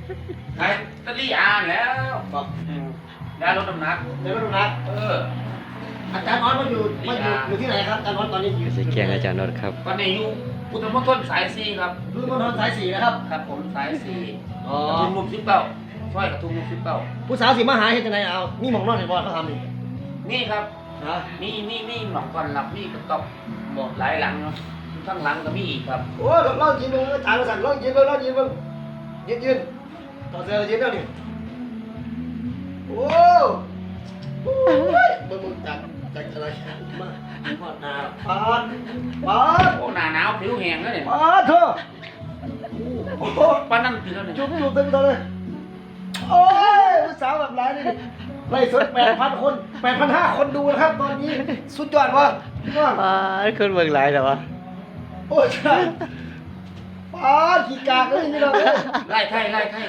ขายตะลี่อ่านแล้วบอกได้รถน้ำหนักในรถนักอาจารย์น้อยมาอยู่ที่ไหนครับอาจารย์น้อยตอนนี้อยู่สีแกงอาจารย์นนท์ครับตอนนี้อยู่พุทธมณฑลสายสี่ครับรุ่นมณฑลสาย4นะครับครับผมสายสี่อ๋อกระทุ่มมุก19ช่วยกระทุ่มมุก19 ผู้สาวสิมาหาเฮ็ดจังไดเอามีหม่องนอนให้บ่เขาทำนี่นี่ครับฮะนี่หนองก่อนหลับนี่กระต๊อบบอกหลายหลังเนาะข้างหลังก็มีอีกครับโอ้ยลองกินมึงอาจารย์มาสั่งลองกินมึงยืนต่อเสือยืนแล้วนี่โอ้ยมึงจากอะไรมาพอดหน้าปาดโอ้หนาหนาวผิวแห้งแล้วเนี่ยปาดเถอะโอ้โหป้านั่นผิวแล้วเนี่ยจุ๊บเต็มตัวเลยโอ้ยผู้สาวแบบไรนี่ไล่สด8,000 คน 8,500 คนดูนะครับตอนนี้สุดยอดวะยอดคนเมืองหลายแต่ว่าโอ้ยใช่ปาดขี้กากเลยนี่เราเลยไล่ไข่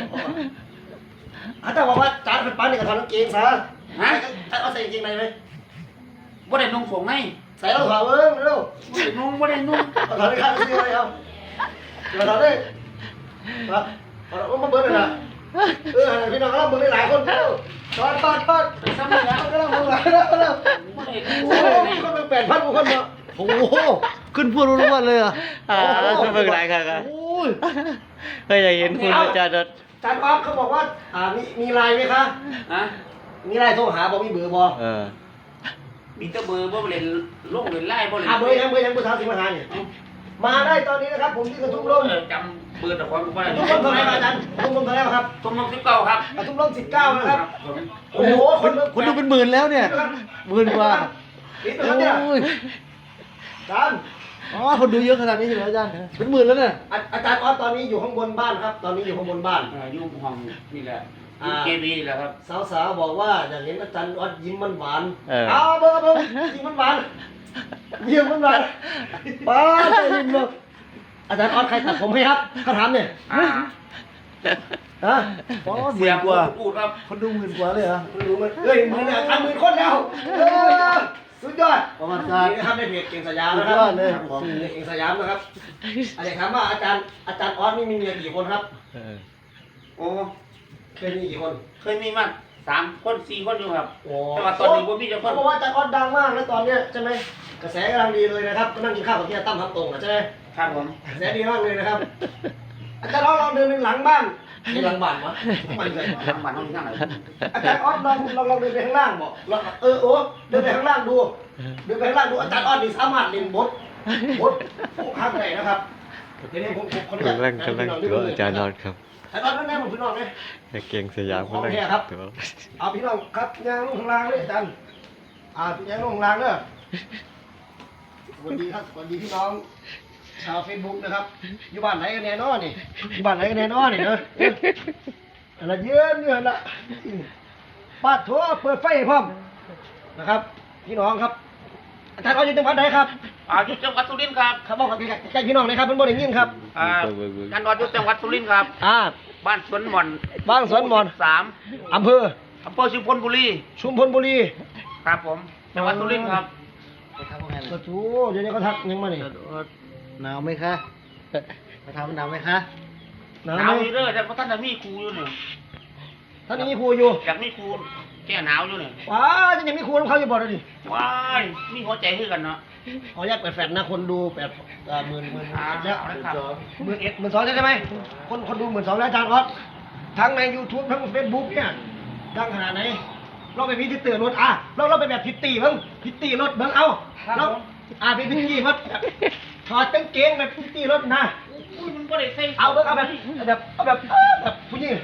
อาจารย์บอกว่าจานเป็นปานนี่กับทอนกางเกงซะฮะเอาใส่กางเกงในไหมบ่ได้นุ่งส่งไงใส่แล้วถอดเบิ้งเร็วบ่ได้นุ่งเอาถอดได้ข้างเสื้อเลยเอาถอดได้ครับถอดมาเบิ้งเลยนะพี่น้องเราเบิ้งได้หลายคนเร็วถอดซ้ำแล้วก็ต้องเบิ้งหลายแล้วบ่ได้โอ้ยคนเป็น8,000 คนเนาะโอ้โหขึ้นพูดรู้วันเลยอ่ะคนเมืองหลายครับโอ้ยก็อยากเห็นคุณอาจารย์นนท์อาจารย์ป๊อปเขาบอกว่ามีไลน์ไหมคะฮะมีไลน์โทรหาบอกมีเบอร์บอมีแต่เบอร์บ่เล่นลงเล่นไล่บ่เล่นเบอร์ยังผู้สาวสิมาหาเนี่ยมาได้ตอนนี้นะครับผมที่กระทุ่มร่มจำเบอร์แต่ความบ่ได้กระทุ่มร่มเท่าไหร่ครับอาจารย์กระทุ่มร่มเท่าไหร่ครับทุ่มลง19ครับกระทุ่มร่ม19นะครับโอ้โหคนดูเป็นหมื่นแล้วเนี่ยหมื่นกว่านี่เป็นครับเนี่ยอาจารย์อ๋อคนดูเยอะขนาดนี้ใช่ไหมอาจารย์เป็นหมื่นแล้วเนี่ยอาจารย์ออสตอนนี้อยู่ข้างบนบ้านครับ ตอนนี้อยู่ข้างบนบ้านอยู่ห้องนี่แหละเกบีแหละครับสาวๆบอกว่าอยากเห็นอาจารย์ออสยิ้มหวานเออเอาเบอร์ยิ้มหวานยิ้มหวานป้าใจเย็นเลยอาจารย์ออสใครตัดผมให้ครับเขาถามเนี่ยฮะอ๋อหเสีมื่ยนงกว่าพูดครับคนดูหมื่นกว่าเลยเหรอคุณรู้ไหมเฮ้ยมือเนี่ย10,000 คนแล้วสุดยอดประมาณการนี่นะครับในเพจเก่งสยามนะคสุรับดยอดเลยของเก่งสยามนะครับอะไรถามว่าอาจารย์ออสนี่มีเมียกี่คนครับโอ้เคยมีกี่คนเคยมีมา3 คน 4 คนอยู่ครับโอ้แต่ว่าตอนนี้บ่มีเจ้าคเขานบอกว่าอาจารย์ออสดังมากนะตอนเนี้ยใช่ไหมกระแสกำลังดีเลยนะครับก็นั่งกินข้าวกับพี่ตั้มทับตรงอ่ะใช่ไหมครับผมกระแสดีมากเลยนะครับอาจารย์ออสลองเดินไปหลังบ้านในหลังบ้านวะไม่เลยทางบ้านห้องที่ข้างไหนอาจารย์ออสลองเดินไปข้างล่างบอกโอ้เดินไปข้างล่างดูเดินไปข้างล่างดูอาจารย์ออสนี่สามารถเล่นบทข้างไหนนะครับเดี๋ยวนี้ผมคนกำลังตัวอาจารย์นนท์ครับอาจารย์ออสแน่ผมพี่น้องไหมเก่งสยามกำลังตัวเอาพี่น้องครับยางลงข้างล่างเลยอาจารย์ยางลงข้างล่างเด้อสวัสดีครับสวัสดีพี่น้องชาวเฟซบุ๊กนะครับอยู่บ้านไหนกันแน่นอนนี่อยู่บ้านไหนกันแน่นอนนี่เนอะอะไรเยอะเนี่ยละปาดทั่วเปิดไฟให้พร้อมนะครับ พี่น้องครับอาจารย์เอาอยู่จังหวัดไหนครับอยู่จังหวัดสุรินทร์ครับครับบอกกับใกล้ๆพี่น้องเลยครับเป็นบ่ได้ยินครับกันนอนอยู่จังหวัดสุรินทร์ครับ บ้านสวนหม่อนบ้านสวนหมอน 3 อำเภออำเภอชุมพลบุรีชุมพลบุรีครับผมจังหวัดสุรินทร์ครับกระทูเดี๋ยวนี้เขาทักยังมานี่หนาวไหมคะไปทำหนาวไหมคะหนาวหไหนาวมอยู่เด้อแต่พระท่านน่ะมีครูอยู่นี่ท่านนี้มีครูอยู่อยากมีครูแก้หนาวอยู่นี่ว้าจะยังมีครูของเขาอยู่บ่เลยดิว้ายมีหัวใจคือกันเนาะขออนุญาตเปิดแฟลชนะคนดูหมื่นแล้วเอาเลยครับ 11,000 ใช่ไหมคนดู12,000แล้วอาจารย์ออสทั้งใน YouTube ทั้ง Facebook เนี่ยดังขนาดไหนเราไปพิธีเตือนรถเราไปแบบพิตตี้เบิ่งพิตตี้รถเบิ่งเอาเราเป็นพิตตี้รถถอดกางเกงแบบพิตตี้รถนะอุ้ยมันบ่ได้ใส่เอาเบิ่งเอาแบบผู้หญิง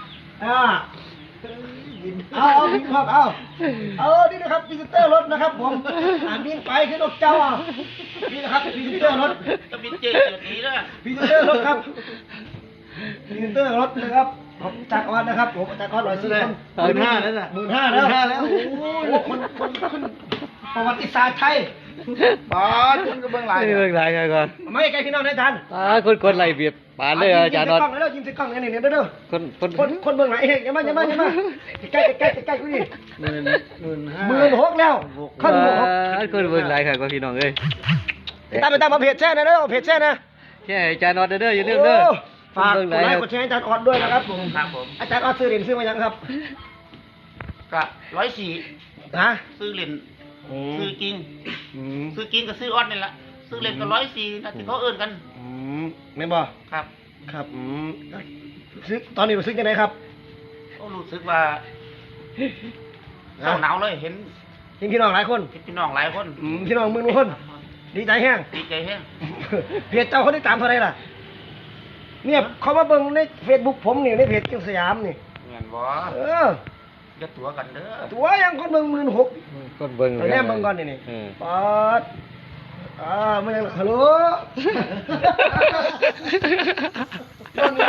เอาบินครับนี่นะครับพิซิเตอร์รถนะครับผมบินไปขึ้นรถเจ้านี่นะครับพิซิเตอร์รถจะบินเจอนี้เด้อพิซิเตอร์รถครับพิซิเตอร์รถนะครับผมจากออนนะครับผมจากออน104 คน 15,000แล้วน่ะ 15,000แล้วโอ้โหคนประวัติศาสตร์ไทยบอสคุณก็เบื้องหลังเมืองหลายก่อนไม่ใกล้พี่น้องนะอาจารย์คนไหลเบียดปานเลยอาจารย์นนท์ยิ้มใส่กล้องนี่เด้อคนเบื้องหลังเองอย่ามาใกล้กูดิ 15,000 แล้วขั้นหกคนเมืองหลายครับพี่น้องเอ้ยตามมาเพจแช่นะเด้อเพจแช่นะแค่อาจารย์นนท์เด้ออย่าลืมเด้อฝากกดไลค์กดแชร์อาจารย์ออดด้วยนะครับผมครับผมอาจารย์ออดซื้อเหรียญซื้อมายังครับก็104 ฮะซื้อเหรียญอืมซื้อจริงอืมซื้อจริงกับซื้อออดนี่แหละซื้อเหรียญก็104นะที่เขาเอิ้นกันอืมไม่นบ่ครับครับซื้อตอนนี้รู้สึกยังไงครับก็รู้สึกว่าเศร้าหนาวเลยเห็นเห็นพี่น้องหลายคนพี่น้องหลายคนพี่น้องหมื่นคน ดีใจแห้งดีใจแฮงเพจเจ้าเขาได้ตามเท่าไหรล่ะ เนี่ยเขามาเบิ่งในเฟซบุ๊กผมนี่ในเพจเกียงสยามนี่เงินบ่เออจะตัวกันเด้อตัวยังคนเบิ่ง16,000 คนเบิ่งตอนแรกเบิ่งก่อนนี่เออปอดมันยังฮัลโหล